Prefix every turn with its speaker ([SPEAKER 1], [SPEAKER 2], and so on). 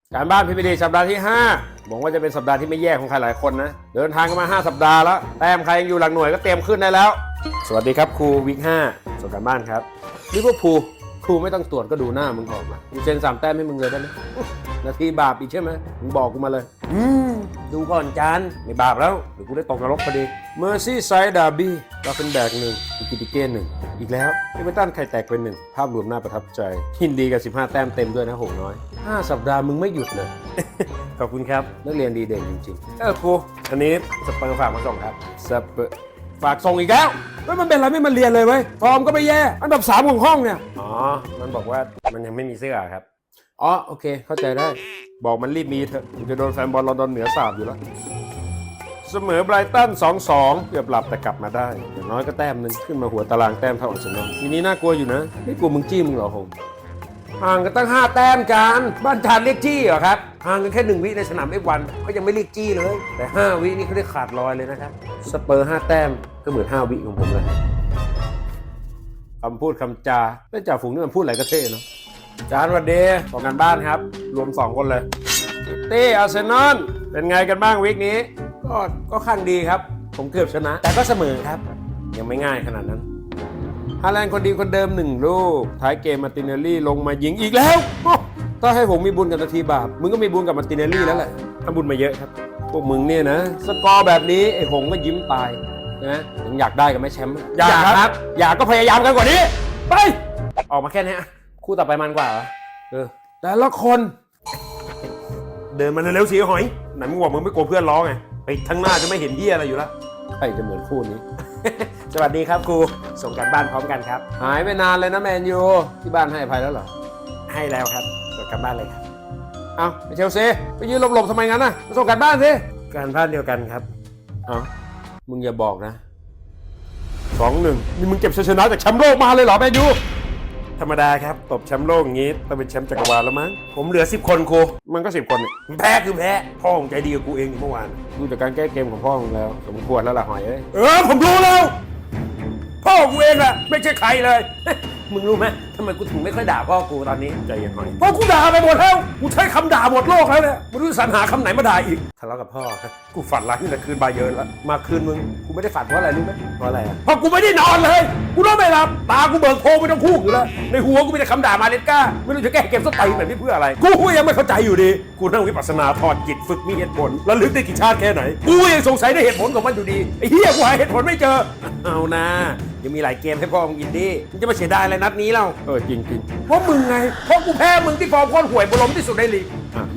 [SPEAKER 1] การบ้านพี่พีดีสัปดาห์ที่5บอกว่าจะเป็นสัปดาห์ที่ไม่แย่ของใครหลายคนนะเดินทางกันมา5สัปดาห์แล้วแต้มใครยังอยู่หลักหน่วยก็เตรียมขึ้นได้แล้วสวัสดีครับครูวิก5ส่วนการบ้านครับลิเวอร์พูลครูไม่ต้องตรวจก็ดูหน้ามึงออกมากูเซ็น3 แต้มให้มึงเลยได้ไหมนาทีบาปอีกใช่ไหมมึงบอกกูมาเลยดูก่อนจานไม่บาปแล้วเดี๋ยวกูได้ตกนรกพอดีเมอร์ซี่ไซด์ดาร์บี้ก็เป็นแบก1อิกิติเก้1อีกแล้วเอเวอร์ตันไข่แตกเป็น1ภาพรวมน่าประทับใจยินดีกับ15 แต้มเต็มด้วยนะหงน้อย5 สัปดาห์มึงไม่หยุดเลย ขอบคุณครับนักเรียนดีเด่นจริงๆครูอันนี้สเปอร์ฝากมาส่งครับสเปอร์ฝากส่งอีกแล้วมันเป็นอะไรไม่มาเรียนเลยเว้ยฟอร์มก็ไม่แย่อันดับ3ของห้องเนี่ยอ๋อมันบอกว่ามันยังไม่มีเสื้อครับอ๋อโอเคเข้าใจได้บอกมันรีบมีเถอะมันจะโดนแฟนบอลลอนดอนเหนือสาบอยู่แล้วเสมอไบรตัน 2-2 เกือบหลับแต่กลับมาได้อย่างน้อยก็แต้มนึงขึ้นมาหัวตารางแต้มเท่าอาร์เซนอลทีนี้น่ากลัวอยู่นะไม่กลัวมึงจี้มึงเหรอผมห่างกันตั้ง5 แต้มกันบ้านจานเรียกจี้เหรอครับห่างกันแค่1 วิในสนามF1เขายังไม่เรียกจี้เลยแต่5 วินี่เขาเรียกขาดลอยเลยนะครับสเปอร์5 แต้มก็เหมือน5 วิของผมเลยคำพูดคำจาไม่จ่าฝูงนี่มันพูดอะไรก็เท่เนาะจานวันเดย์ของกันบ้านครับรวม2 คนเลยตี้อาร์เซนอลเป็นไงกันบ้างวีคนี้ก็ข้างดีครับผมเกือบชนะแต่ก็เสมอครับยังไม่ง่ายขนาดนั้นฮาแลนด์คนดีคนเดิม1 ลูกท้ายเกมมาร์ติเนลลี่ลงมายิงอีกแล้วถ้าให้ผมมีบุญกับนาทีบาปมึงก็มีบุญกับมาร์ติเนลลี่แล้วแหละทำบุญมาเยอะครับพวกมึงเนี่ยนะสกอร์แบบนี้ไอ้หงก็ยิ้มตายนะยังอยากได้กับแม่แชมป์อยากครับอยากก็พยายามกันกว่านี้ไปออกมาแค่นี้คู่ต่อไปมันกว่าเหรอแต่ละคนเดินมาเร็วๆสีหอยไหนมึงบอกมึงไม่กลัวเพื่อนร้องไงไปทั้งหน้าจะไม่เห็นเหี้ยอะไรอยู่แล้วใครจะเหมือนคู่นี้ สวัสดีครับครูส่งกันบ้านพร้อมกันครับหายไปนานเลยนะแมนยูที่บ้านให้อภัยแล้วเหรอให้แล้วครับส่งกันบ้านเลยครับเอาไปเชลซีไปยืนหลบๆทำไมงั้นน่ะมาส่งกันบ้านสิการบ้านเดียวกันครับเอามึงอย่าบอกนะ2-1นี่มึงเก็บชัยชนะจากแชมป์โลกมาเลยเหรอแมนยูธรรมดาครับตบแชมป์โลกอย่างงี้ต้องเป็นแชมป์จักรวาลแล้วมั้งผมเหลือ10 คนครูมันก็10 คนเนี่ยแพ้คือแพ้พ่อของใจดีกับกูเองเมื่อวานดูจากการแก้เกมของพ่อของแล้วสมควรแล้วล่ะหอยเอ้ยผมรู้แล้วพ่อกูเองแหละไม่ใช่ใครเลย มึงรู้ไหมทำไมกูถึงไม่ค่อยด่าพ่อกูตอนนี้ใจเย็นหน่อยเพราะกูด่าไปหมดแล้วกูใช้คำด่าหมดโลกแล้วเนี่ยไม่รู้จะสรรหาคำไหนมาด่าอีกทะเลาะกับพ่อครับกูฝันร้ายนี่แหละคืนบาเยิร์นแล้วมาคืนมึงกูไม่ได้ฝันเพราะอะไรรู้ไหมเพราะอะไรเพราะกูไม่ได้นอนเลยกูนอนไม่หลับตากูเบิกโพรงไม่ต้องคู่อยู่แล้วในหัวกูมีแต่คำด่ามาเลสก้าไม่รู้จะแก้เกมสไตล์แบบนี้เพื่ออะไรกูยังไม่เข้าใจอยู่ดีกูนั่งวิปัสสนาถอดจิตฝึกมีเหตุผลระลึกได้กี่ชาติแค่ไหนกูยังสงสัยในเหตุผลของมันอยู่ดีไอ้เหี้ยกูหาเหตุผลไม่เจอเอานะยังมีหลายเกมให้พ่อมึงกินดิมึงจะมาเสียดายอะไรนัดนี้เล่าจริงเพราะมึงไงเพราะกูแพ้มึงที่ฟอร์มโคตรห่วยบรมที่สุดในลีก